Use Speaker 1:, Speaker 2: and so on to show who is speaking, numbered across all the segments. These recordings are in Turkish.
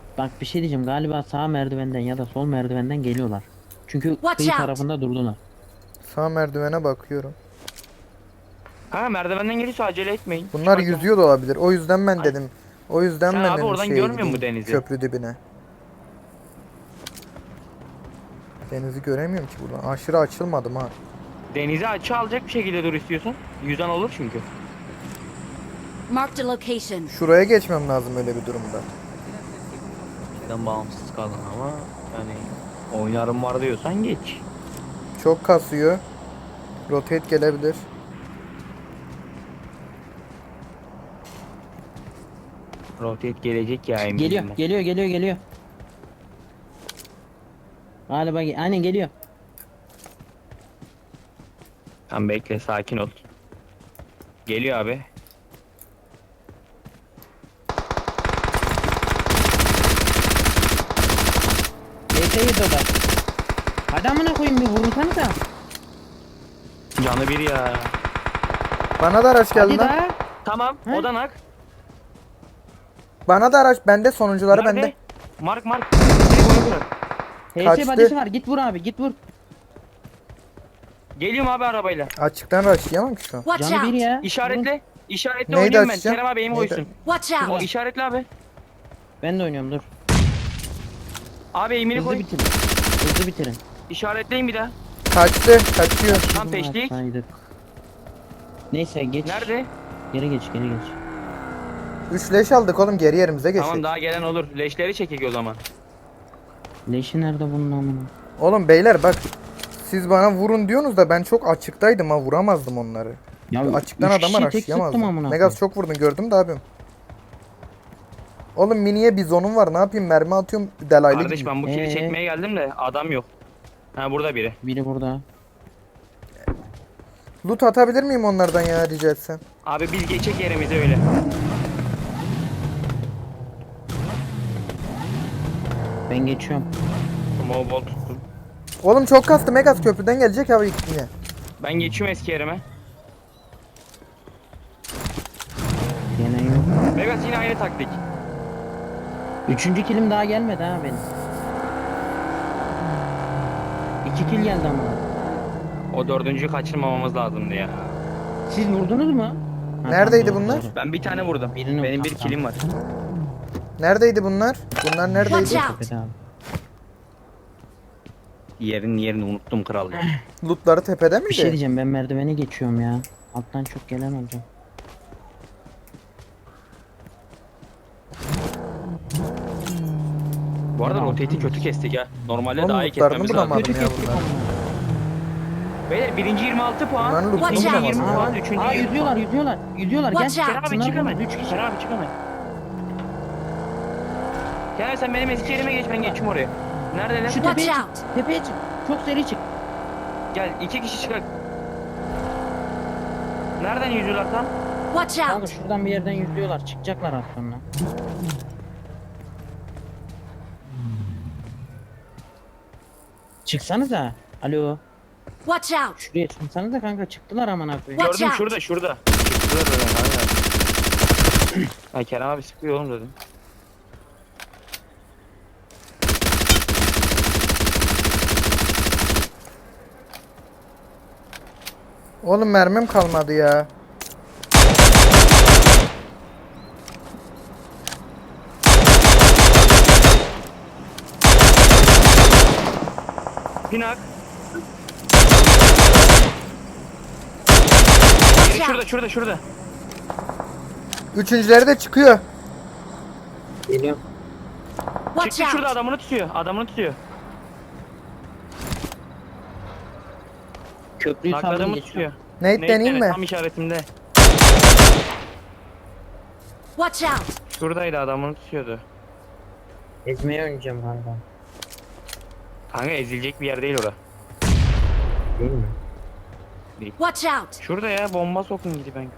Speaker 1: Bak bir şey diyeceğim. Galiba sağ merdivenden ya da sol merdivenden geliyorlar. Çünkü
Speaker 2: Watch
Speaker 1: kıyı
Speaker 2: out.
Speaker 1: tarafında durdular.
Speaker 3: Sağ merdivene bakıyorum.
Speaker 4: Ha merdivenden geliyorsa acele etmeyin. Şu
Speaker 3: Bunlar
Speaker 4: an
Speaker 3: yüzüyor da olabilir. O yüzden ben
Speaker 4: Ay,
Speaker 3: dedim. O yüzden
Speaker 4: sen
Speaker 3: ben
Speaker 4: abi
Speaker 3: dedim
Speaker 4: oradan
Speaker 3: şeye
Speaker 4: görmüyor musun
Speaker 3: gideyim.
Speaker 4: denizi?
Speaker 3: Köprü dibine. Denizi göremiyorum ki buradan. Aşırı açılmadım ha.
Speaker 4: Denize açı alacak bir şekilde dur istiyorsan. Yüzen olur çünkü.
Speaker 2: Marked a location.
Speaker 3: Şuraya geçmem lazım öyle bir durumda.
Speaker 4: Şeyden bağımsız kalın ama yani oynarım var diyorsan geç.
Speaker 3: Çok kasıyor. Rotate gelebilir.
Speaker 4: Rotate gelecek ya eminim
Speaker 1: Geliyor,
Speaker 4: ben.
Speaker 1: geliyor. Galiba aynen geliyor.
Speaker 4: Tamam bekle sakin ol. Geliyor abi.
Speaker 1: DT'yi o da. Hadi amına koyayım bir vurursanıza.
Speaker 4: Canı bir ya.
Speaker 3: Bana da araç geldi
Speaker 1: Hadi
Speaker 3: lan.
Speaker 1: daha.
Speaker 4: Tamam
Speaker 1: He?
Speaker 4: odanak.
Speaker 3: Bana da araç bende, sonuncuları
Speaker 4: Nerede?
Speaker 3: bende.
Speaker 4: Mark. Bir boyu bırak.
Speaker 1: HS
Speaker 3: Kaçtı.
Speaker 1: badisi var. Git vur abi, git vur.
Speaker 4: Geliyorum abi arabayla.
Speaker 3: Açıktan rushlayamam ki şu an.
Speaker 2: Watch
Speaker 1: Canı bir
Speaker 2: out.
Speaker 1: ya.
Speaker 4: İşaretle. İşaretle
Speaker 3: Neydi
Speaker 4: oynuyorum ben.
Speaker 3: açacağım?
Speaker 4: Kerem abi eğimi
Speaker 3: Neydi?
Speaker 4: koysun.
Speaker 2: Watch
Speaker 4: O
Speaker 2: out.
Speaker 4: işaretle abi.
Speaker 1: Ben de oynuyorum dur.
Speaker 4: Abi eğimini
Speaker 1: Hızlı
Speaker 4: koy.
Speaker 1: bitirin. Hızlı bitirin.
Speaker 4: İşaretleyin bir daha.
Speaker 3: Kaçtı. Kaçıyor.
Speaker 4: Tam peşlik.
Speaker 1: Atsaydık. Neyse geç.
Speaker 4: Nerede?
Speaker 1: Geri geç.
Speaker 3: 3 leş aldık oğlum, geri yerimize geçtik.
Speaker 4: Tamam daha gelen olur. Leşleri çekek o zaman.
Speaker 1: Leşi nerede bunun amına?
Speaker 3: Oğlum beyler bak. Siz bana vurun diyorsunuz da ben çok açıktaydım ha, vuramazdım onları.
Speaker 1: Ya
Speaker 3: Açıktan
Speaker 1: üç
Speaker 3: adama
Speaker 1: kişiyi tek sıktım
Speaker 3: rushlayamazdım.
Speaker 1: amına
Speaker 3: Megas
Speaker 1: koyayım.
Speaker 3: çok vurdun gördüm de abim. Oğlum miniye bizonum var, ne yapayım, mermi atıyorum delaylı
Speaker 4: Kardeş
Speaker 3: gibi.
Speaker 4: ben bu kili
Speaker 1: Ee?
Speaker 4: çekmeye geldim de adam yok. Ha burada biri.
Speaker 1: Biri burada.
Speaker 3: Loot atabilir miyim onlardan ya, rica etsem?
Speaker 4: Abi biz geçecek yerimize öyle.
Speaker 1: Ben geçiyorum.
Speaker 4: Small ball tuttum.
Speaker 3: Oğlum çok kastı, Megas köprüden gelecek abi yine.
Speaker 4: Ben geçiyorum eski yerime.
Speaker 1: Gene yok.
Speaker 4: Vegas yine aynı taktik.
Speaker 1: Üçüncü kilim daha gelmedi ha benim. 2 kill geldi ama.
Speaker 4: O dördüncüyü kaçırmamamız lazımdı ya.
Speaker 1: Siz vurdunuz mu? Ha,
Speaker 3: Neredeydi
Speaker 1: tamam,
Speaker 3: bunlar?
Speaker 1: doğru.
Speaker 4: Ben bir tane vurdum.
Speaker 1: Birini
Speaker 4: Benim bir
Speaker 1: tamam,
Speaker 4: kilim var.
Speaker 3: Neredeydi bunlar? Bunlar neredeydi?
Speaker 2: Watch out.
Speaker 1: Tepede abi.
Speaker 4: Yerini unuttum kral ya.
Speaker 3: Lootları tepede miydi?
Speaker 1: Bir şey diyeceğim, ben merdivene geçiyorum ya. Alttan çok gelen olacak.
Speaker 4: Bu arada
Speaker 1: Ya,
Speaker 4: rotate'i kötü kestik ya. Normalde
Speaker 3: Oğlum
Speaker 4: daha iyi
Speaker 3: lootlarını
Speaker 4: kesmemiz lazım.
Speaker 3: bulamadım
Speaker 1: Kötü
Speaker 3: ya
Speaker 1: kestik
Speaker 3: bunlar.
Speaker 1: ama.
Speaker 4: Beyler birinci 26 puan.
Speaker 3: Bunların lootunu
Speaker 4: ikinci
Speaker 2: Watch out.
Speaker 4: 20 puan.
Speaker 1: Aa,
Speaker 4: Üçüncü
Speaker 1: aa
Speaker 4: 20
Speaker 1: yüzüyorlar,
Speaker 4: puan.
Speaker 1: yüzüyorlar. Gel.
Speaker 2: Watch out.
Speaker 4: Kerem abi
Speaker 1: Şunlar
Speaker 4: çık hemen.
Speaker 1: vurun, 3 kişi.
Speaker 4: Kerem abi çık hemen. Kerem sen benim eski yerime geç, ben geçeyim oraya. Neredeler?
Speaker 1: Şu
Speaker 2: Watch
Speaker 1: tepeye çık.
Speaker 2: out.
Speaker 1: Tepeye çık. Çok seri çık.
Speaker 4: Gel 2 kişi çıkar. Nereden yüzüyorlar tam?
Speaker 2: Watch
Speaker 1: Kanka
Speaker 2: out.
Speaker 1: şuradan bir yerden yüzüyorlar. Çıkacaklar az sonra. Çıksanıza. Alo.
Speaker 2: Watch out.
Speaker 1: Şuraya çıksanıza kanka. Çıktılar amına koyayım.
Speaker 2: Watch
Speaker 4: Gördüm
Speaker 2: out.
Speaker 4: şurada. Şurada dedim. Aynen. Ha Kerem abi sıkıyor oğlum dedim.
Speaker 3: Oğlum mermim kalmadı ya.
Speaker 4: Pinak.
Speaker 2: Watch
Speaker 4: Biri
Speaker 2: out.
Speaker 4: şurada.
Speaker 3: Üçüncüleri de çıkıyor.
Speaker 1: Geliyorum.
Speaker 2: Watch
Speaker 4: Çıktı şurada
Speaker 2: out.
Speaker 4: adamını tutuyor.
Speaker 1: Köprüyü saldım
Speaker 4: Nakladığımı
Speaker 1: geçiyorum.
Speaker 4: tutuyor.
Speaker 3: Nate deneyeyim mi?
Speaker 4: Tam işaretimde.
Speaker 2: Watch out.
Speaker 4: Şuradaydı adamını tutuyordu.
Speaker 1: Ezmeye oynayacağım galiba.
Speaker 4: Kanka ezilecek bir yer değil ora.
Speaker 1: Değil mi?
Speaker 2: Watch out.
Speaker 4: Şurada ya bomba sokun gidi ben.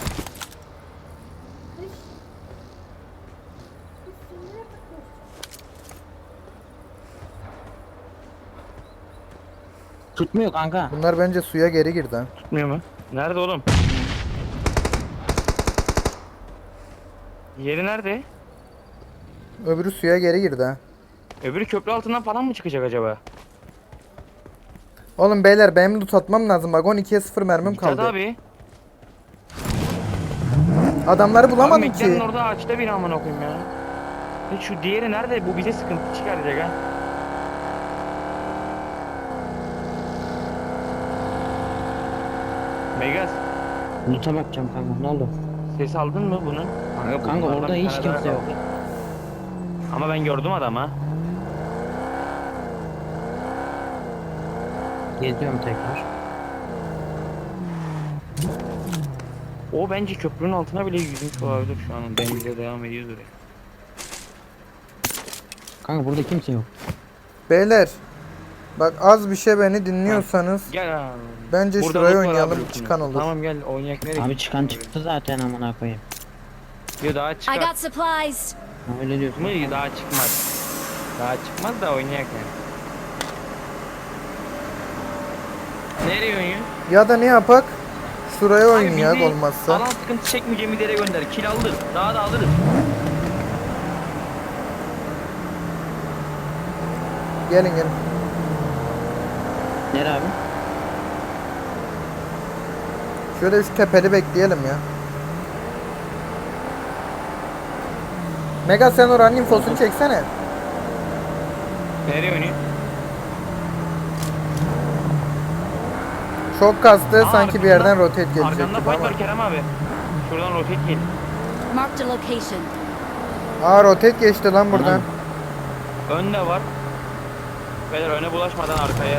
Speaker 1: Tutmuyor kanka.
Speaker 3: Bunlar bence suya geri girdi ha.
Speaker 4: Tutmuyor mu? Nerede oğlum? Yeri nerede?
Speaker 3: Öbürü suya geri girdi ha.
Speaker 4: Öbürü köprü altından falan mı çıkacak acaba?
Speaker 3: Oğlum beyler benim loot atmam lazım. Bak 12'ye 0 mermim
Speaker 4: Mithat
Speaker 3: kaldı.
Speaker 4: abi.
Speaker 3: Adamları
Speaker 4: Abi
Speaker 3: bulamadım
Speaker 4: Meklerin
Speaker 3: ki.
Speaker 4: orada ağaçta bir amına koyayım ya. Hiç şu diğeri nerede? Bu bize sıkıntı çıkaracak ha. Megas,
Speaker 1: Loot'a bakacağım kanka, ne oldu?
Speaker 4: ses aldın mı bunun?
Speaker 1: Kanka
Speaker 4: bunlardan
Speaker 1: orada
Speaker 4: bir
Speaker 1: hiç
Speaker 4: tane daha
Speaker 1: kimse yok.
Speaker 4: kaldı. Ama ben gördüm adamı.
Speaker 1: Geziyorum tekrar.
Speaker 4: O bence köprünün altına bile yüzmüş olabilir şu an. Denize devam ediyor oraya.
Speaker 1: Kanka burada kimse yok.
Speaker 3: Beyler. Bak az bir şey beni dinliyorsanız.
Speaker 4: Gel abi.
Speaker 3: Bence
Speaker 4: Burada
Speaker 3: şuraya
Speaker 4: loot var
Speaker 3: oynayalım,
Speaker 4: abi,
Speaker 3: çıkan olur.
Speaker 4: Tamam gel oynayak nereye?
Speaker 1: Abi çıkan çıktı zaten amına koyayım.
Speaker 4: Diyor daha
Speaker 2: I
Speaker 4: çıkar.
Speaker 2: got supplies.
Speaker 1: Ha, öyle diyorsun.
Speaker 4: Mı daha çıkmaz. Daha çıkmaz da oynayak yani. Nereye oynuyor?
Speaker 3: Ya da ne yapak? Şuraya
Speaker 4: Abi
Speaker 3: oynayak
Speaker 4: bizi
Speaker 3: olmazsa.
Speaker 4: Alan sıkıntı çekmeyeceğimiz yere gönder. Kill aldı. Daha da alırız.
Speaker 3: Gelin gelin.
Speaker 1: Nere abi?
Speaker 3: Şöyle şu tepeli bekleyelim ya. Mega sen oranın infosunu çeksene.
Speaker 4: Nereye oynuyor?
Speaker 3: Çok kastı
Speaker 4: Aa,
Speaker 3: sanki bir yerden rotate gelecek
Speaker 4: Arkanda
Speaker 3: gibi
Speaker 4: fight
Speaker 3: ama.
Speaker 4: var Kerem abi. Şuradan rotate gel.
Speaker 2: Marked a location.
Speaker 3: Aa rotate geçti lan buradan.
Speaker 4: Önde var. Beyler öne bulaşmadan arkaya.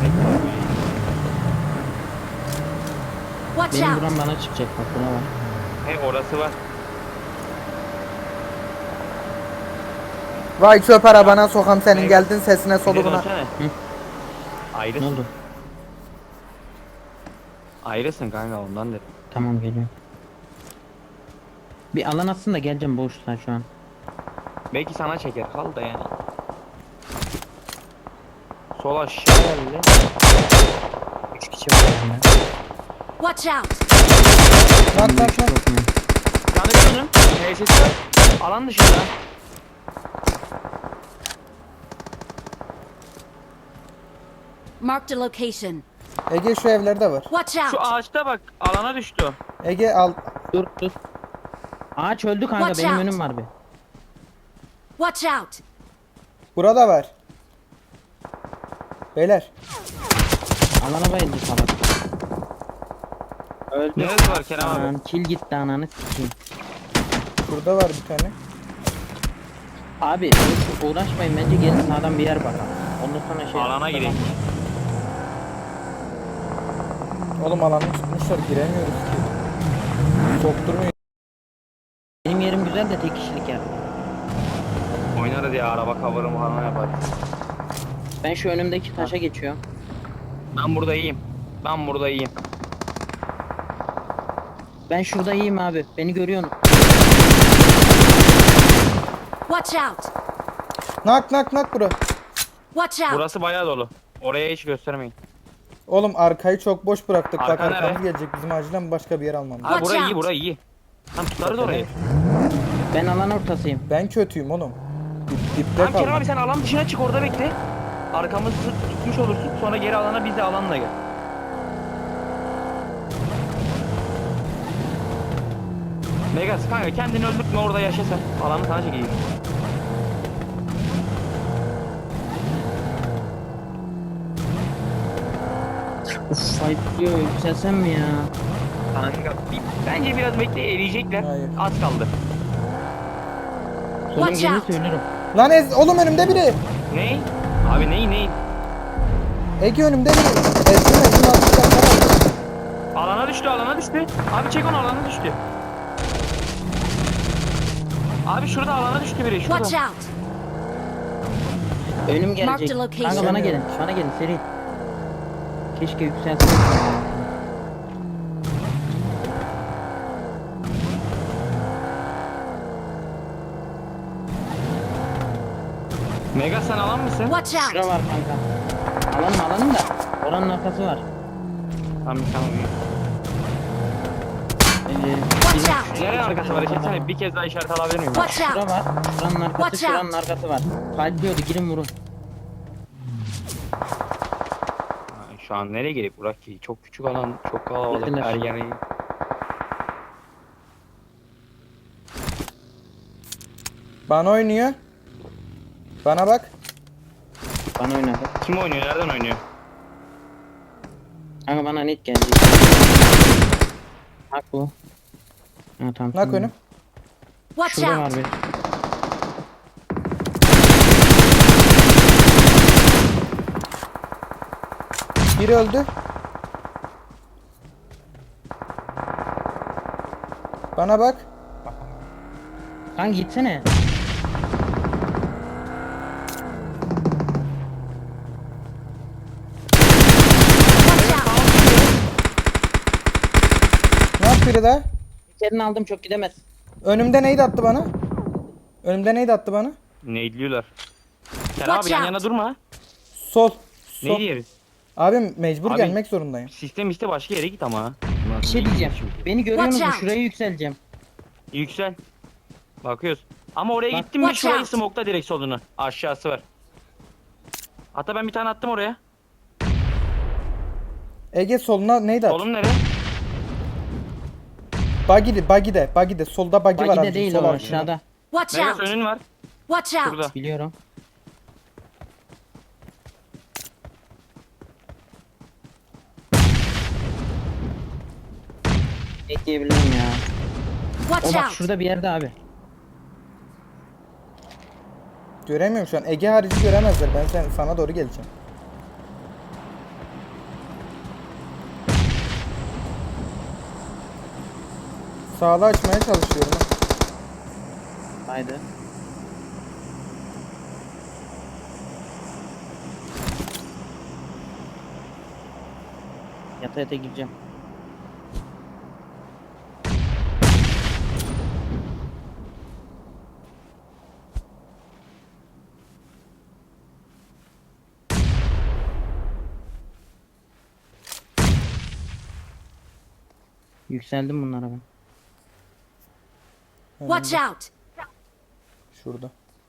Speaker 2: Watch
Speaker 1: Benim
Speaker 2: out.
Speaker 1: buram bana çıkacak bak, buna bak.
Speaker 4: He orası var.
Speaker 3: Vay çöp arabana sokam senin
Speaker 4: Mega.
Speaker 3: geldin sesine
Speaker 4: Bir de
Speaker 3: soluğuna.
Speaker 4: dönsene. Ayrısın.
Speaker 1: Ne oldu?
Speaker 4: Ayrısın kanka ondan dedim.
Speaker 1: Tamam, geliyorum. Bir alan atsın da geleceğim, boşlar şu an.
Speaker 4: Belki sana çeker kal da yani. Sol aşağı geldi.
Speaker 1: 3 kişi var yanında.
Speaker 2: Watch out.
Speaker 3: Lan lan lan.
Speaker 1: Çok mu?
Speaker 4: Yanı dönün. HSS var. Alan dışında.
Speaker 2: Marked a location.
Speaker 3: Ege şu evlerde var.
Speaker 2: Watch
Speaker 4: Şu
Speaker 2: out.
Speaker 4: ağaçta bak alana düştü.
Speaker 3: Ege al.
Speaker 1: Dur dur. Ağaç öldü kanka,
Speaker 2: Watch
Speaker 1: benim
Speaker 2: out.
Speaker 1: önüm var bir.
Speaker 2: Watch out.
Speaker 3: Burada var. Beyler.
Speaker 1: Alana bayıldı salak. Öldü.
Speaker 4: Neresi var Kerem abi?
Speaker 1: Anan kill gitti, ananı sikeyim.
Speaker 3: Burada var bir tane.
Speaker 1: Abi uğraşmayın, bence gelin sağdan bir yer bakalım. Ondan sonra şey
Speaker 4: Alana girelim.
Speaker 3: Oğlum alanı çıkmışlar giremiyoruz ki. Sokturmuyor.
Speaker 1: Benim yerim güzel de tek kişilik yer.
Speaker 4: Oynarız ya araba cover'ımı falan yaparız.
Speaker 1: Ben şu önümdeki taşa geçiyorum.
Speaker 4: Ben burada iyiyim. Ben burada iyiyim.
Speaker 1: Ben şurada iyiyim abi. Beni görüyorsun.
Speaker 2: Watch out.
Speaker 3: Nak nak nak bura.
Speaker 2: Watch out.
Speaker 4: Burası bayağı dolu. Oraya hiç göstermeyin.
Speaker 3: Oğlum arkayı çok boş bıraktık. Bak
Speaker 4: Arka
Speaker 3: arkamız
Speaker 4: nere?
Speaker 3: gelecek. Bizim acilen başka bir yer almamız.
Speaker 4: Ha
Speaker 2: Watch
Speaker 4: burayı
Speaker 2: out.
Speaker 4: iyi burayı iyi. Tam tutarız orayı.
Speaker 1: Ben alan ortasıyım.
Speaker 3: Ben kötüyüm oğlum. Dipte
Speaker 4: Tamam Kerem
Speaker 3: kaldım.
Speaker 4: abi sen alan dışına çık orada bekle. Arkamızı tutmuş olursun. Sonra geri alana biz de alanla gel. Megas kanka kendini öldürtme orada yaşa sen. Alanı sana çekeyim.
Speaker 1: Uf, fight diyor, yükselsem mi ya?
Speaker 4: Kanka bence biraz bekle eriyecekler.
Speaker 3: Hayır.
Speaker 4: Az kaldı.
Speaker 1: Sorun
Speaker 2: Watch
Speaker 1: gelir
Speaker 2: out.
Speaker 1: söylerim.
Speaker 3: Lan oğlum önümde biri.
Speaker 4: Ney? Abi ney?
Speaker 3: Ege önümde biri. Ezdim altı.
Speaker 4: Alana düştü alana düştü. Abi çek onu alana düştü. Abi şurada alana düştü biri şurada.
Speaker 2: Watch out.
Speaker 1: Önüm
Speaker 2: Mark
Speaker 1: gelecek.
Speaker 2: the location.
Speaker 1: Kanka bana gelin. Bana gelin seri. Keşke yükseltseydim.
Speaker 4: Megas sen alan mısın?
Speaker 2: Watch out.
Speaker 1: Şura var kanka. Alanım da. Oranın arkası var.
Speaker 4: Tamam tamam.
Speaker 1: Ee,
Speaker 2: Watch Watch out!
Speaker 4: Nereye arkası var? Geçsene bir kez daha işaret alabilir miyim?
Speaker 2: Watch
Speaker 1: Şura
Speaker 2: out!
Speaker 1: var. Şuranın arkası,
Speaker 2: Watch
Speaker 1: şuranın
Speaker 2: out.
Speaker 1: arkası var. Kalpliyordu, girin vurun.
Speaker 4: Ha, şu an nereye gerek Burak ki? Çok küçük alan, çok kalabalık.
Speaker 1: Gittiler.
Speaker 4: Ergeni.
Speaker 3: Bana oynuyor. Bana bak.
Speaker 1: Bana oynadı.
Speaker 4: Kim oynuyor? Nereden oynuyor?
Speaker 1: Kanka bana net geldi. Bak bu. Ha, tamam.
Speaker 3: Nak
Speaker 1: şimdi.
Speaker 3: önüm.
Speaker 2: Watch
Speaker 1: Şurada var
Speaker 2: out!
Speaker 1: bir.
Speaker 3: Biri öldü. Bana bak.
Speaker 1: Kanka gitsene.
Speaker 2: Watch out!
Speaker 3: Nak biri daha.
Speaker 1: İçerini aldım, çok gidemez.
Speaker 3: Önümde neydi attı bana? Önümde neydi attı bana?
Speaker 4: Neydiliyorlar. Sen
Speaker 2: Watch
Speaker 4: abi yan
Speaker 2: out.
Speaker 4: yana durma.
Speaker 3: Sol.
Speaker 4: Ne
Speaker 3: Sol.
Speaker 4: diyeriz?
Speaker 3: Abim mecbur
Speaker 4: Abi-
Speaker 3: gelmek zorundayım.
Speaker 4: Sistem işte başka yere git ama.
Speaker 1: Bir şey diyeceğim. Beni görüyor
Speaker 2: Watch
Speaker 1: musun?
Speaker 2: out.
Speaker 1: Şuraya yükseleceğim.
Speaker 4: Yüksel. Bakıyoruz. Ama oraya
Speaker 1: Bak.
Speaker 4: gittin mi
Speaker 2: Watch
Speaker 4: şurayı
Speaker 2: out.
Speaker 4: smoke'la direkt solunu. Aşağısı var. Hatta ben bir tane attım oraya.
Speaker 3: Ege soluna neydi attı?
Speaker 4: Solum nereye?
Speaker 3: Buggy'de. Solda buggy var
Speaker 1: Bagi
Speaker 3: abi.
Speaker 1: de değil
Speaker 3: sol
Speaker 1: o,
Speaker 3: altında.
Speaker 1: aşağıda.
Speaker 2: Watch
Speaker 4: Megas
Speaker 2: out!
Speaker 4: önün var.
Speaker 2: Watch out!
Speaker 4: Şurada.
Speaker 1: Biliyorum. Bekleyebilirim ya. O
Speaker 2: Watch
Speaker 1: bak
Speaker 2: out!
Speaker 1: şurada bir yerde abi.
Speaker 3: Göremiyorum şu an. Ege harici göremezler. Ben sana doğru geleceğim. Sağda açmaya çalışıyorum.
Speaker 1: Haydi. Yata yata gireceğim. Yükseldim bunlara ben.
Speaker 2: Watch out!
Speaker 3: Şurada.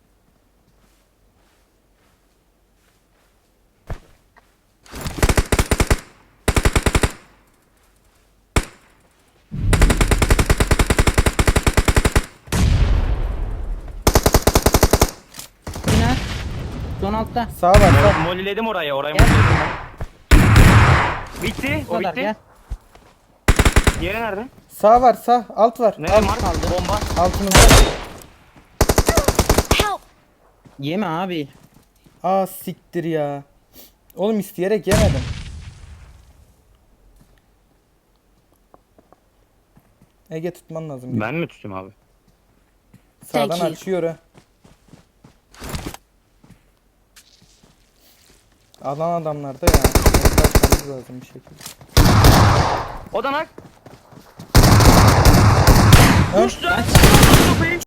Speaker 1: Bina. Son altta.
Speaker 3: Sağ var sağ.
Speaker 4: Molliledim orayı. Orayı
Speaker 1: Gel.
Speaker 4: molliledim ben. Bitti.
Speaker 1: Bu
Speaker 4: O
Speaker 1: kadar
Speaker 4: bitti.
Speaker 1: gel.
Speaker 4: Diğeri nerede?
Speaker 3: Sağ var sağ. Alt var.
Speaker 4: Nerede Mark? Bomba.
Speaker 3: Altımızda.
Speaker 2: Help!
Speaker 1: Yeme abi.
Speaker 3: Aa siktir ya. Oğlum isteyerek yemedim. Ege tutman lazım.
Speaker 4: Ben mi tutayım abi?
Speaker 3: Sağdan
Speaker 2: Thank you.
Speaker 3: açıyor ha. Alan adamlarda ya. Açmamız lazım bir şekilde.
Speaker 4: Odanak.
Speaker 3: Ön.
Speaker 4: Uçtu.